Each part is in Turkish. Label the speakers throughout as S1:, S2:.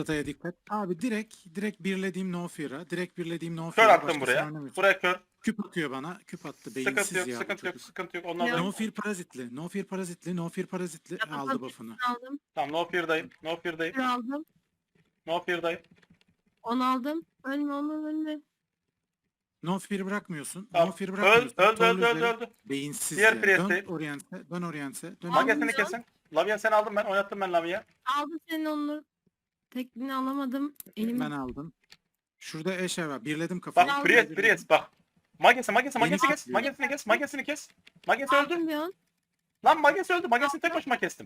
S1: Ratata'ya dikkat. Abi direkt birlediğim No Fear'a. Direkt birlediğim No
S2: Kör
S1: Fear'a.
S2: attım
S1: Başkasını
S2: buraya.
S1: oynamıyorsun.
S2: Buraya kör.
S1: Küp atıyor bana. Küp attı.
S2: Sıkıntı
S1: Beyinsiz
S2: yok,
S1: ya bu
S2: sıkıntı yok,
S1: çocuk.
S2: sıkıntı yok. Ondan
S3: Yok.
S1: No
S2: da...
S1: Fear parazitli. No Fear parazitli. No Fear parazitli. Aldı buff'ını.
S3: Aldım.
S2: Tamam, no fear'dayım. No fear'dayım.
S3: Bir aldım.
S2: No fear'dayım.
S3: 10 aldım. Ölme ölme.
S1: No Fear bırakmıyorsun.
S2: Tamam.
S1: No Fear
S2: Öldü,
S1: bırakmıyorsun.
S2: öldü,
S1: Torlu
S2: öldü,
S1: üzeri.
S2: öldü.
S1: Beyinsiz
S2: Diğer
S1: ya.
S2: priyesteyim.
S1: Dön Orient'e. Dön Orient'e. Dön
S2: Magesini
S1: Orient'e.
S2: kesin. Lavia seni aldım ben. Oynattım ben Lavia.
S3: Aldım senin onu. Tekniğini alamadım. Elim
S1: Ben aldım. Şurada eşe var. Birledim kafayı.
S2: Bak
S3: Aldım.
S2: Priest bak. Magesini kes.
S1: Beni
S2: Magesini kes. Magesini kes. Magesi öldü.
S3: aldım bir an.
S2: Lan Magesi öldü. Magesini tek başıma kestim.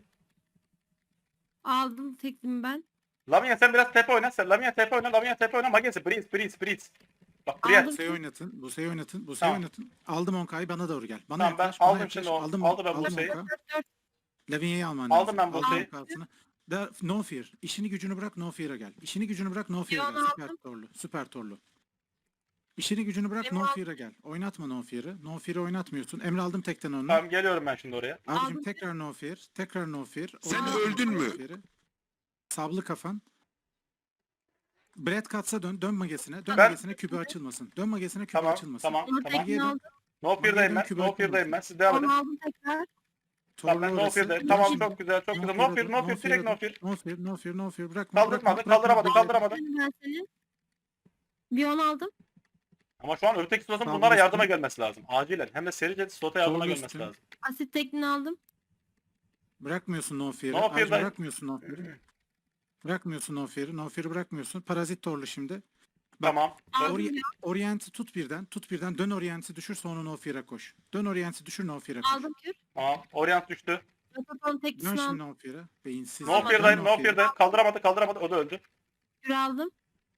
S3: Aldım tekniğimi ben.
S2: Lavia sen biraz TP oyna. Lavia TP oyna. Lavia TP oyna. Magesi. Priest. Bak Priest.
S3: Aldım.
S1: Buse'yi oynatın. Buse'yi oynatın. Buse'yi
S2: Tamam.
S1: oynatın. Aldım Onkay'ı bana doğru gel. Bana
S2: Tamam, ben
S1: yaklaş. Bana
S2: aldım
S1: yaklaş.
S2: şimdi onu.
S1: Aldım,
S2: Aldım ben
S1: aldım
S2: Buse'yi.
S1: Onka.
S3: 4
S1: Lavinia'yı alman
S2: Aldım
S1: lazım.
S2: ben Buse'yi.
S1: Aldım kartını. No Fear. İşini gücünü bırak No Fear'a gel. İşini gücünü bırak No Fear'a gel.
S3: Leon'u
S1: Süper
S3: aldım.
S1: torlu. Süper torlu. İşini gücünü bırak
S3: Benim
S1: No
S3: aldım.
S1: Fear'a gel. Oynatma No Fear'ı. No Fear'ı oynatmıyorsun. Emre aldım tekten onu.
S2: Tamam geliyorum ben şimdi oraya.
S1: Abicim
S3: Aldım.
S1: tekrar No Fear. Tekrar No Fear.
S4: Sen
S1: Oynatma
S4: öldün
S1: No
S4: mü?
S1: Fear'ı. Sablı kafan. Brad Katz'a dön. Dön magesine. Dön
S2: Ben-
S1: magesine kübü açılmasın. Dön magesine kübü
S2: Tamam
S1: açılmasın.
S2: tamam
S3: Onu
S2: tamam.
S3: tekniğini aldım.
S2: No fear'dayım ben.
S1: Kübra
S2: No fear'dayım ben. Siz devam edin.
S3: Onu aldım tekrar.
S2: Tamam ben
S1: Torlu
S2: no
S1: orası.
S2: fear'dayım.
S1: Dön
S2: Tamam
S1: şimdi.
S2: çok güzel çok güzel. No fear direkt no fear.
S1: No Fear, No Fear, No Fear, bırakma.
S2: Kaldırmadı
S1: bırakma,
S2: kaldıramadı
S1: bırakma.
S2: kaldıramadı.
S3: Ben seni. Bir 10 aldım.
S2: Ama şu an öteki slotun
S1: Sağ
S2: bunlara
S1: olun.
S2: yardıma gelmesi lazım. Acilen. Hem de serice slota yardıma
S1: Sol
S2: gelmesi
S1: üstün.
S2: lazım.
S3: Asit tekniğini aldım.
S1: Bırakmıyorsun No Fear'ı.
S2: No
S1: Ayrıca
S2: Fear'dayım.
S1: bırakmıyorsun No Fear'ı. Bırakmıyorsun No Fear'ı. No Fear'ı bırakmıyorsun. Parazit torlu şimdi. Bak,
S2: Tamam.
S3: Aldım
S1: Ori-
S3: bir
S1: Orient'i tut birden. Tut birden. Dön Orient'i düşür sonra No Fear'a koş. Dön Orient'i düşür No Fear'a koş.
S3: aldım kür.
S2: Tamam. Orient düştü.
S3: Rotaton
S1: Dön
S3: teknisini
S1: şimdi
S3: aldım.
S1: No Fear'a. Beyinsiz.
S2: No
S1: Dön
S2: fear'dayım. No
S1: Fear'a.
S2: fear'dayım. Kaldıramadı. O da öldü.
S3: Kür aldım.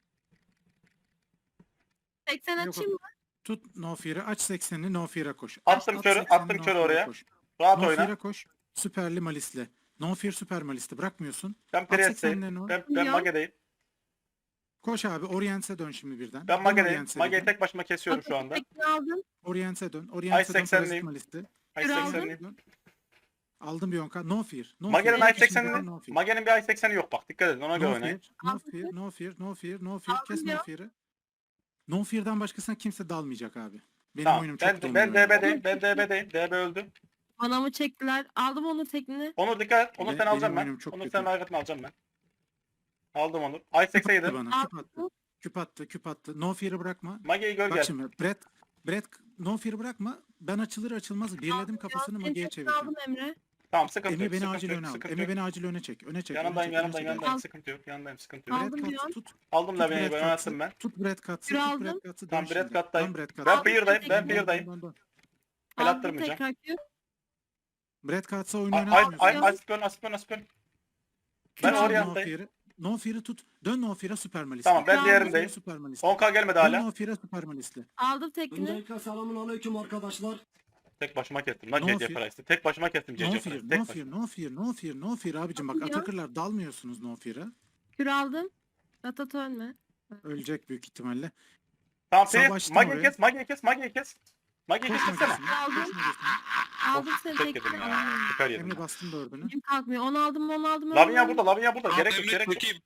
S3: 80
S1: Yok,
S3: açayım mı?
S1: Tut No Fear'ı. Aç 80'ini No Fear'a koş.
S2: Attım
S1: At
S2: körü,
S1: 80'ini,
S2: attım
S1: No
S2: körü
S1: Fear'a
S2: oraya.
S1: koş.
S2: Rahat
S1: No
S2: oyna.
S1: Fear'a koş. Süperli Malis'le. No Fear süper Malis'te. Bırakmıyorsun.
S2: Ben
S1: At
S2: Priest'teyim.
S1: 80'lerini o.
S2: Ben
S3: Ya.
S2: Mage'deyim.
S1: Koş abi. Orient'e dön şimdi birden.
S2: Ben
S1: Dön
S2: Mage'deyim.
S1: Orient'e
S2: Mage'yi
S1: birden.
S2: tek başıma kesiyorum şu anda.
S3: Tekniğini aldım.
S1: Orient'e dön.
S2: Ay
S1: Orient'e dön.
S2: 80'liyim.
S1: Parazit Malis'te.
S2: Ay
S3: Kür aldım.
S2: 80'liyim.
S1: Dön. Aldım bir onka. No Fear. No
S2: Mage'nin
S1: Fear.
S2: ay
S1: İçinde
S2: 80'ini
S1: No Fear.
S2: Mage'nin bir ay 80'i yok bak. Dikkat edin ona göre
S1: No
S2: oynayın.
S1: Fear. No Fear. No Fear. No Fear. No Fear. Kes
S3: Aldım
S1: No
S3: ya.
S1: Fear'ı. No Fear'dan başkasına kimse dalmayacak abi. Benim
S2: Tamam.
S1: oyunum çok
S2: Ben
S1: donuyor. yani.
S2: DB'deyim. DB öldü.
S3: Bana mı çektiler? Aldım onu tekniğini.
S2: Onur dikkat et. Onur sen
S1: Benim
S2: alacağım ben.
S1: oyunum çok
S2: Onur
S1: kötü.
S2: sen ayrıtını alacağım ben. Aldım Onur. Ay
S1: Küp attı
S2: 87.
S1: bana. Küp attı. Küp attı. Küp attı. No Fear'ı bırakma.
S2: Mage'yi gör
S1: Bak
S2: gel.
S1: şimdi Brett No Fear'ı bırakma. Ben açılır açılmaz birledim kafasını
S3: Senin
S1: Mage'ye
S3: tekniğini
S1: çevireceğim.
S3: aldım Emre.
S2: Tamam sıkıntı
S1: Emre
S2: yok.
S1: beni
S2: Sıkıntı
S1: acil
S2: yok.
S1: öne al.
S2: Sıkıntı
S1: Emre
S2: yok.
S1: beni acil öne çek. Öne çek.
S2: Yanındayım
S1: öne çek, öne çek.
S2: yanındayım. Sıkıntı yok. Yanındayım sıkıntı yok.
S3: Aldım
S1: Brett
S3: bir
S1: Katz'ı
S3: an.
S1: tut.
S2: Aldım
S1: Tut
S2: Lavia'yı
S1: Brett
S2: ben
S1: Katz'ı.
S2: oynattım ben.
S1: Tut Brett Katz'ı.
S3: Kür
S1: Tut
S3: aldım.
S1: Brett Katz'ı.
S2: Tamam,
S1: Dön
S2: Brett
S1: şimdi.
S2: Katz'tayım.
S1: Dön Brett
S2: Ben
S1: Katz'ı.
S2: Fear'dayım. Ben
S1: Dön,
S2: Fear'dayım.
S1: dön, dön.
S2: El
S3: Aldım
S2: attırmayacağım.
S3: tekrar kür.
S1: Brett Katz'a oyunu
S2: Ay
S1: oynatmıyorsun.
S2: Aspen.
S3: Kür
S2: Ben
S3: aldım.
S2: Orient'tayım.
S1: No Fear'ı tut. Dön No Fear'a Süper Malis'le.
S2: Tamam ben
S3: Aldım.
S2: diğerindeyim.
S1: Süper Malis'le.
S2: 10k gelmedi
S1: Dön
S2: hala.
S1: No Fear'a Süper Malis'le.
S3: Aldım tekniğini.
S4: Öncelikle selamun aleyküm arkadaşlar.
S2: Tek başıma kestim lan
S1: No
S2: CC
S1: fear.
S2: Price'ı. Tek başıma kestim
S1: No
S2: CC
S1: Fear,
S2: Price'ı.
S1: No
S2: Tek
S1: Fear,
S2: başıma.
S1: No Fear, No Fear, No Fear abicim bak
S3: Ya.
S1: Atakırlar dalmıyorsunuz No Fear'a.
S3: Kür aldım. Ratat ölme.
S1: Ölecek büyük ihtimalle.
S2: Tamam
S1: Savaştım
S2: Priest. Mage'yi
S1: oraya.
S2: kes. Mage'yi kes. Mage'yi kes. Mage'yi
S1: Koş
S2: kessene.
S1: magesine.
S3: Aldım.
S1: Koş magesine.
S3: Aldım seni
S2: Tek yedim
S3: tekniğini.
S2: ya. Süper yedim.
S1: Emre
S2: ya.
S1: bastım dördünü.
S3: Elim kalkmıyor. 10 aldım.
S2: Lavinia burada. Gerek yok
S4: Emre
S2: gerek yok.
S4: çekeyim.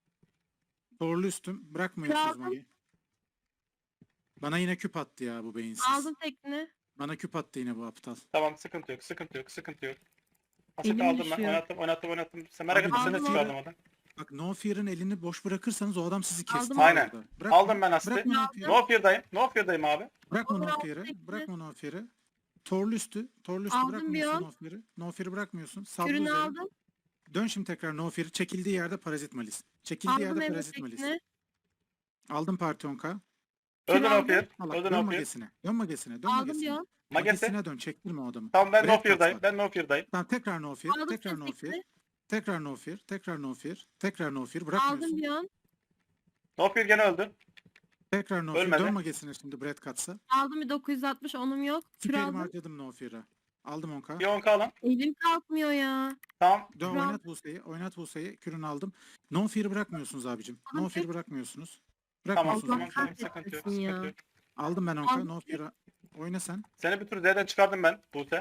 S1: Torlu üstüm. Bırakmıyorsunuz
S3: Aldım.
S1: Magi. Bana yine küp attı ya bu beyinsiz.
S3: Aldım tekniğini.
S1: Bana küp attı yine bu aptal.
S2: Tamam sıkıntı yok. Sıkıntı yok. Asit
S3: Elim
S2: aldım ben.
S3: düşüyor.
S2: Oynattım. Sen merak
S1: Abi,
S2: etme seni
S3: aldım,
S2: çıkardım oradan.
S1: Bak No Fear'ın elini boş bırakırsanız o adam sizi kesti.
S3: Aldım.
S2: Aynen.
S1: orada. Bırakma,
S2: Aldım ben Asit'i.
S1: Bırakma No Fear'ı.
S2: No fear'dayım. No fear'dayım abi.
S1: Bırakma
S3: Aldım,
S1: No
S3: aldım
S1: Fear'ı.
S3: tekniğini.
S1: Bırakma No Fear'ı. Torlu üstü
S3: Aldım
S1: bırakmıyorsun
S3: bir an.
S1: No Fear'ı. No Fear'ı bırakmıyorsun. Sablı
S3: Kürünü
S1: üzeri.
S3: aldım.
S1: Dön şimdi tekrar No Fear'ı. Çekildiği yerde Parazit Malis. Çekildiği
S3: Aldım
S1: yerde
S3: Emre
S1: Parazit Malis.
S3: tekniğini.
S1: Aldım Partonka.
S2: Öldü no
S3: aldım.
S2: fear.
S1: Allah,
S2: Öldü
S1: dön
S2: no fear.
S1: magesine. Dön magesine. Dön
S3: Aldım
S1: magesine.
S3: diyor.
S2: Magesi.
S1: Magesine dön. Çektirme o adamı.
S2: Tamam ben no
S1: Brett
S2: fear'dayım.
S1: Katz var.
S2: Ben no fear'dayım.
S1: Tamam tekrar No Fear.
S3: Aldım
S1: Tekrar
S3: seni
S1: No Fear.
S3: tekniğini.
S1: Tekrar No Fear. Tekrar No Fear. Tekrar No Fear.
S3: Aldım
S1: Bırakmıyorsun.
S3: bir an.
S2: No fear gene öldü.
S1: Tekrar No Fear.
S2: Ölmedi.
S1: Dön magesine şimdi Brett Katz'a.
S3: Aldım bir 960. Onum yok. Kür
S1: Süperimi
S3: aldım.
S1: harcadım No Fear'a. Aldım 10k.
S2: Bir 10k alın.
S3: Elim kalkmıyor ya.
S2: Tamam.
S1: Dön
S3: Kür
S1: oynat Buse'yi. Oynat Buse'yi. Kürünü aldım. No Fear'ı bırakmıyorsunuz abicim.
S3: Aldım
S1: No Fear
S3: tek.
S1: bırakmıyorsunuz.
S2: Tamam.
S1: Bırakmıyorsunuz
S3: Allah
S1: No Fear'ı.
S2: Sıkıntı yok.
S3: kahretsin ya.
S2: Sıkıntı yok.
S1: Aldım ben 10k.
S3: Aldım.
S1: No Fear'a. Oyna sen.
S2: Seni bir tur Z'den çıkardım ben Buse.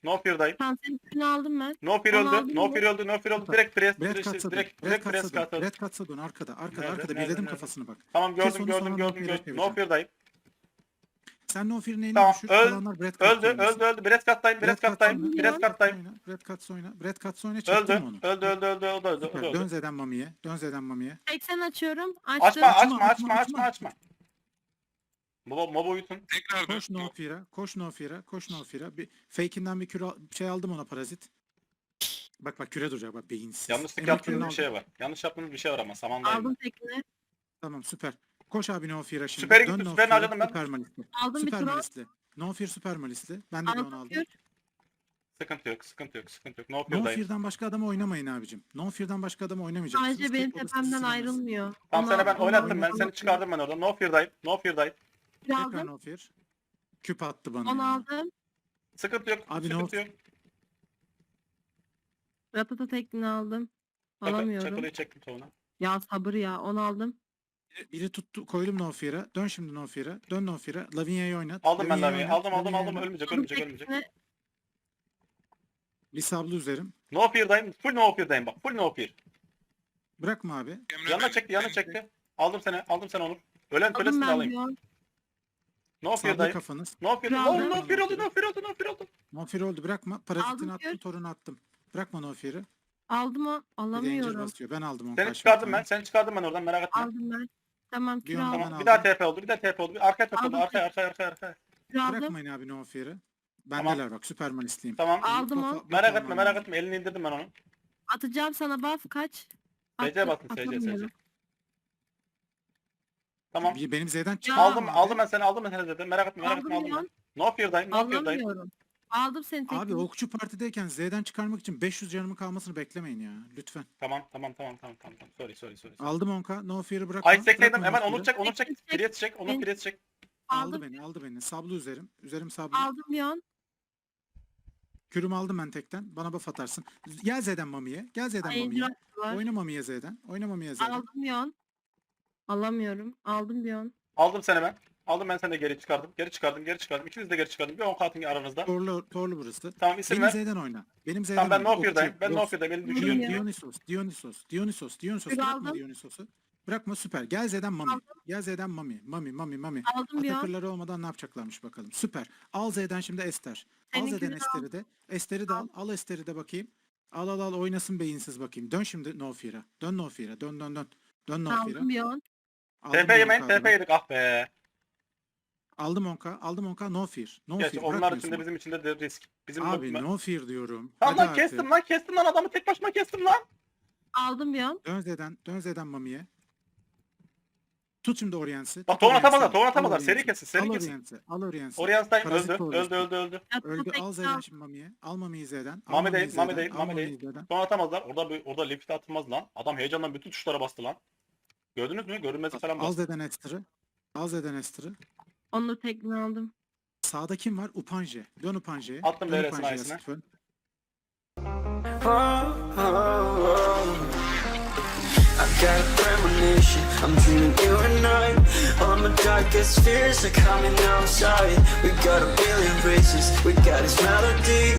S2: No fear'dayım.
S3: Tamam senin üstünü aldım ben.
S2: No fear
S3: Onu
S2: öldü.
S3: aldım
S2: No
S3: mı?
S2: fear öldü. No fear öldü.
S1: Süper.
S2: Direkt press.
S1: Brad Katz'a dön.
S2: Direkt
S1: Brad
S2: press
S1: Katz'a dön.
S2: katladı.
S1: Brad Katz'a dön. Arkada.
S2: Nerede,
S1: Birledim
S2: nerede?
S1: kafasına bak.
S2: Tamam
S1: Kes
S2: gördüm
S1: onu,
S2: gördüm
S1: sonra
S2: gördüm
S1: No Fear'e
S2: gördüm.
S1: çevireceğim.
S2: No fear'dayım.
S1: Sen No Fear'in elini
S2: Tamam,
S1: düşür.
S2: öldü.
S1: Kalanlar Brad Katz'a
S2: Öldü
S1: oynasın.
S2: öldü. Brad Katz'tayım. Brad Katz'tayım.
S3: oyna.
S2: Brad Katz'tayım.
S1: Oyna. Brad Katz'a oyna. Brad Katz'a oyna.
S2: Öldü.
S1: Çektin mi onu?
S2: Öldü.
S1: Süper. Dön Z'den Mami'ye. Dön Z'den Mami'ye.
S3: 80 açıyorum. Açtım.
S2: Açma. Mob uyutun.
S5: Tekrar
S1: Koş No Fear'a. Koş No Fear'a. Bir fake'inden bir şey aldım ona parazit. Bak küre duracak bak beyinsiz.
S2: Yanlışlık
S1: Emre
S2: yaptığınız
S1: kürünü
S2: bir şey
S1: aldım.
S2: var. Yanlış yaptığınız bir şey var ama samandayım.
S3: Aldım tekini.
S1: Tamam süper. Koş abi No Fear'a şimdi.
S2: Süper'e
S1: Dön
S2: gittim,
S1: No
S2: Süper'ini
S1: Fear'a,
S2: harcadım ben.
S1: Süper Malisli.
S3: Aldım bir
S1: Süper
S3: tur.
S1: Malisli. No Fear Süper Malisli. Ben de bir onu
S3: Aldım
S1: aldım.
S3: kür.
S2: Sıkıntı yok. No
S1: No
S2: fear'dayım.
S1: Fear'dan başka adama oynamayın abicim. No Fear'dan başka adama oynamayacaksınız.
S3: Sadece benim
S1: Tek odası
S3: tepemden
S1: silemez.
S3: ayrılmıyor.
S2: Tamam sana ben
S3: Onu
S2: oynattım ben
S3: aldım.
S2: seni çıkardım ben oradan. No fear'dayım.
S3: Kür
S1: Tekrar
S3: aldım.
S1: No Fear. Küp attı bana.
S3: Onu
S1: ya.
S3: aldım.
S2: Sıkıntı yok.
S1: Abi,
S2: Sıkıntı
S1: no-
S2: yok.
S3: Ratata tekini aldım. Alamıyorum.
S2: Çakılıyı çektim sonra.
S3: Ya sabır ya. Onu aldım.
S1: Biri tuttu koydum No Fear'a. Dön şimdi No Fear'a. Dön No Fear'a. Lavinia'yı oynat.
S2: Aldım ben
S1: Lavinia'yı
S2: Lavi'yi.
S1: oynat,
S2: Aldım.
S1: Lavinia'yı oynat.
S2: Ölmeyecek.
S3: Aldım tekini.
S1: Bir sablı üzerim.
S2: No fear'dayım. Full no fear'dayım bak. Full no fear.
S1: Bırakma abi.
S5: Emre
S2: Yanına
S5: benim.
S2: çekti. Aldım seni Onur. Ölen
S3: Aldım
S2: kölesini de
S3: ben
S2: alayım.
S3: diyor.
S2: No
S1: Sablı
S2: fear'dayım.
S1: kafanız.
S2: No fear.
S3: Aldım.
S2: No fear oldu.
S1: No Fear oldu. Bırakma. Parazitini
S3: Aldım
S1: attım.
S3: kür.
S1: Torunu attım. Bırakma No Fear'ı.
S3: Aldım o.
S1: Bir de Angel
S3: Alamıyorum.
S1: basıyor. Ben aldım onu.
S2: Seni
S1: karşıma
S2: çıkardım
S1: bir
S2: ben.
S1: tane.
S2: Seni çıkardım ben oradan merak etme.
S3: Aldım ben. Tamam kür
S1: Bir anda
S3: aldım.
S1: ben
S2: Tamam. Bir daha
S1: aldım.
S2: TP oldu. Bir arkaya top oldu.
S3: Aldım.
S2: Arkaya.
S3: Kür aldım.
S1: Bırakmayın abi No Fear'ı.
S2: Tamam.
S1: Bendeler bak. Süpermanistliyim.
S2: Tamam.
S3: Aldım o.
S2: Merak etme. Elini indirdim ben onu.
S3: Atacağım sana buff kaç?
S2: SC basın, SC.
S3: Atamıyorum.
S2: Tamam.
S1: Benim Z'den çıktı.
S3: Ya.
S2: Aldım ben seni dedim. Merak etme
S3: Aldım
S2: aldım
S3: ya.
S2: ben. No fear'dayım.
S3: Alamıyorum. Aldım seni tekini.
S1: Abi okçu partideyken Z'den çıkarmak için 500 canımın kalmasını beklemeyin ya. Lütfen.
S2: Tamam. Sorry.
S1: Aldım onka. No Fear'ı bırakma.
S2: Ay sekledim
S1: Bırakma
S2: hemen
S1: No
S2: Onur
S1: Fear'ı.
S2: çek. Priest çek. Priest çek.
S3: Aldım.
S1: Aldı beni. Sablı üzerim. Üzerim sablı.
S3: Aldım yon.
S1: Kürümü aldım ben tekten. Bana buff atarsın. Gel Z'den Mami'ye.
S3: Angel var.
S1: Oyna Mami'ye Z'den.
S3: Aldım yon. Alamıyorum. Aldım bir yon.
S2: Aldım seni ben. Aldım ben seni de geri çıkardım. İkiniz de geri çıkardım. Bir 10 katın aranızda.
S1: Torlu burası.
S2: Tamam isim
S1: Benim
S2: ver.
S1: Z'den oyna. Benim Z'den
S2: Tamam ben
S1: oyna.
S2: no fear'dayım.
S1: Okçu,
S2: Ben no
S1: Ross.
S2: fear'dayım. Beni
S3: Yürü
S2: düşürün.
S3: ya.
S1: Dionysos.
S3: Bir
S1: Bırakma
S3: aldım.
S1: Dionysos'u. Bırakma süper. Gel Z'den Mami.
S3: Aldım.
S1: Gel Z'den Mami. Mami.
S3: Aldım bir yon.
S1: Atakırları olmadan ne yapacaklarmış bakalım. Süper. Al Z'den şimdi Ester. Al
S3: Seninkini
S1: Z'den
S3: de
S1: Ester'i de. Ester'i de al. Al Ester'i de bakayım. Al oynasın beyinsiz bakayım. Dön şimdi No Fear'a. Dön No Fear'a. Dön. Dön No Fear'a.
S3: Aldım bir yon.
S1: Aldım
S2: TP
S1: bir
S2: yemeyin.
S1: onka
S2: TP
S1: adına.
S2: yedik ah be.
S1: Aldım onka. No Fear. No
S2: Geç
S1: Fear.
S2: onlar
S1: Bırakmıyorsun
S2: için de
S1: bak.
S2: bizim için de risk. Bizim
S1: Abi
S2: bu...
S1: No Fear diyorum.
S2: Tamam
S1: Hadi
S2: lan
S1: artık.
S2: kestim lan adamı tek başıma kestim lan.
S3: Aldım bir yon.
S1: Dön Z'den Mami'ye. Tut şimdi Orients'i.
S2: Bak
S1: tut
S2: tohum
S1: Orients'i.
S2: atamazlar.
S1: Al
S2: Seri
S1: Orients'i.
S2: kesin.
S1: Al Orients'i.
S2: Orient'tayım
S1: Parazit
S2: öldü.
S1: Orients'i.
S2: Öldü.
S3: Yattı
S1: Öldü.
S3: tekini
S1: Al
S3: al.
S1: Z'den şimdi Mami'ye. Al Mami'yi Z'den. Al
S2: Mami
S1: Mami'yi
S2: değil.
S1: Z'den. Al Mami'yi Z'den.
S2: Sonra atamazlar. Orada lift'e atılmaz lan. Adam heyecandan bütün tuşlara bastı lan. Gördünüz mü? Görünmezi falan
S1: Al
S2: bastı.
S1: Z'den Ester'ı.
S3: Onu tekini aldım.
S1: Sağda kim var? Upanje. Dön Upanje'ye.
S2: Attım
S1: Dön
S2: DRS'in
S1: Upanje'ye
S2: ayısına.
S1: Stefan.
S6: I got a premonition, I'm dreaming you and I. All my darkest fears are coming outside. We got a billion races, we got this melody.